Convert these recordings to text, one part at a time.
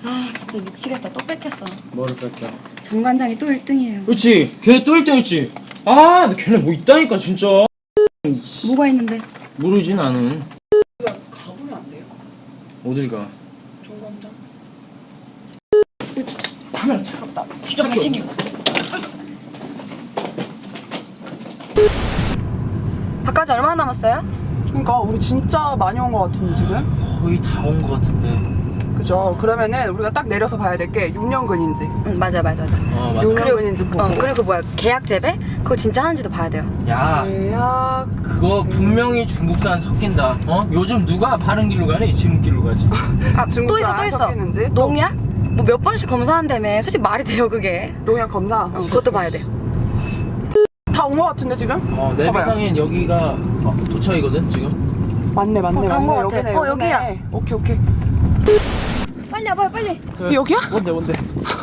아 진짜 미치겠다. 또 뺏겼어. 뭐를 뺏겨? 정관장이 또 1등이에요. 그렇지. 걔네 또 1등했지. 아, 근데 걔네 뭐 있다니까 진짜. 뭐가 있는데? 모르지 나는. 가보면 안 돼요? 어딜 가? 정관장? 카메라 차갑다. 지갑만 챙겨. 바까지 얼마나 남았어요? 그러니까 우리 진짜 많이 온 것 같은데 지금? 거의 다 온 것 같은데. 그죠? 그러면은 우리가 딱 내려서 봐야 될 게 6년근인지 응 맞아. 맞아. 6년근인지 보고 그리고 뭐야 계약 재배? 그거 진짜 하는지도 봐야 돼요. 야, 계약 그거 분명히 중국산 섞인다. 어? 요즘 누가 바른 길로 가니? 지름길로 가지. 아 또 있어 또 있어. 섞이는지 농약? 뭐 몇 번씩 검사한다며. 솔직히 말이 돼요 그게. 농약 검사 그것도 봐야 돼. 다 온 것 같은데 지금? 내비상엔 여기가 도착이거든 지금. 맞네 다 온 것 같아. 여기네, 여기야. 여기네. 오케이 빨리 와봐요 빨리. 여기야? 뭔데?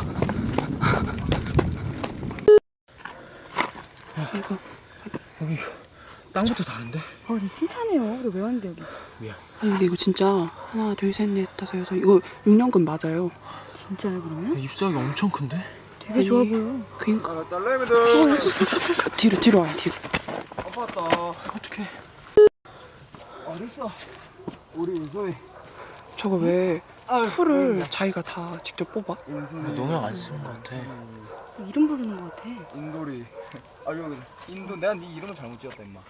여기 땅부터 다른데? 칭찬해요. 우리 왜 왔는데 여기? 미안. 아니 근데 이거 진짜 하나 둘셋넷 다섯 여섯 이거 6년근 맞아요. 진짜요 그러면? 잎사귀 엄청 큰데? 되게 좋아 보여. 그니까 딸내미들 뒤로 와요 뒤로. 아팠다. 어떡해. 어딨어? 우리 소희. 저거 왜 아유, 풀을 자기가 다 직접 뽑아? 농약 안 쓰는 것 같아. 이름 부르는 것 같아. 인돌이. 아 여기 인도 내가 네 이름을 잘못 지었다 임마.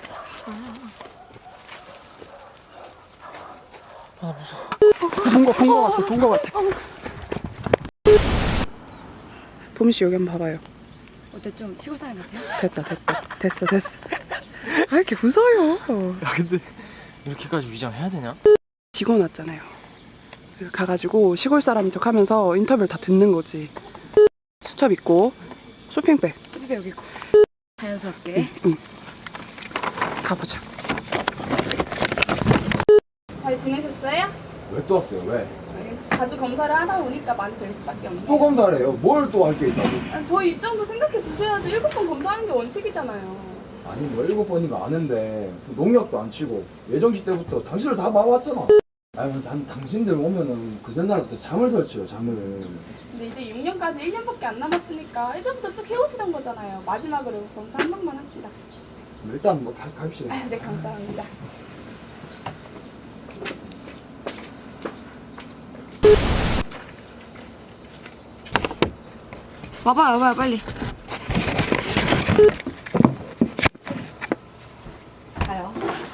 본 거 같아. 보미 씨 여기 한번 봐봐요. 어때 좀 시골 사람 같아요? 됐어. 아 이렇게 웃어요. 야 근데 이렇게까지 위장해야 되냐? 직원 왔잖아요. 가가지고 시골 사람인 척하면서 인터뷰를 다 듣는 거지. 수첩 있고 쇼핑백. 집에 여기 있고. 자연스럽게. 가보자. 잘 지내셨어요? 왜 또 왔어요? 왜? 자주 검사를 하다 보니까 많이 될 수밖에 없네요. 또 검사를 해요? 뭘 또 할 게 있다고? 아니, 저희 입장도 생각해 주셔야지. 7번 검사하는 게 원칙이잖아요. 아니 뭐 7번인가 아는데 농약도 안 치고 예정시 때부터 당신을 다 봐왔잖아. 아니 난 당신들 오면은 그 전날부터 잠을 설치요 잠을. 근데 이제 6년까지 1년밖에 안 남았으니까 예전부터 쭉 해오시던 거잖아요. 마지막으로 검사 한 번만 합시다. 일단 뭐 갑시다. 아, 네, 감사합니다. 와봐요 빨리. 가요.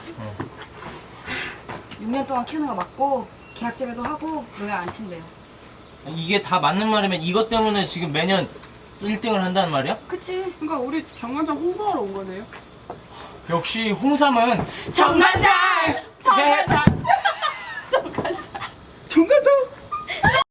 6년 동안 키우는 거 맞고 계약 재배도 하고 농약 안 친대요. 이게 다 맞는 말이면 이것 때문에 지금 매년 1등을 한다는 말이야? 그치? 그러니까 우리 정관장 홍보하러 온 거네요. 역시 홍삼은 정관장! 정관장!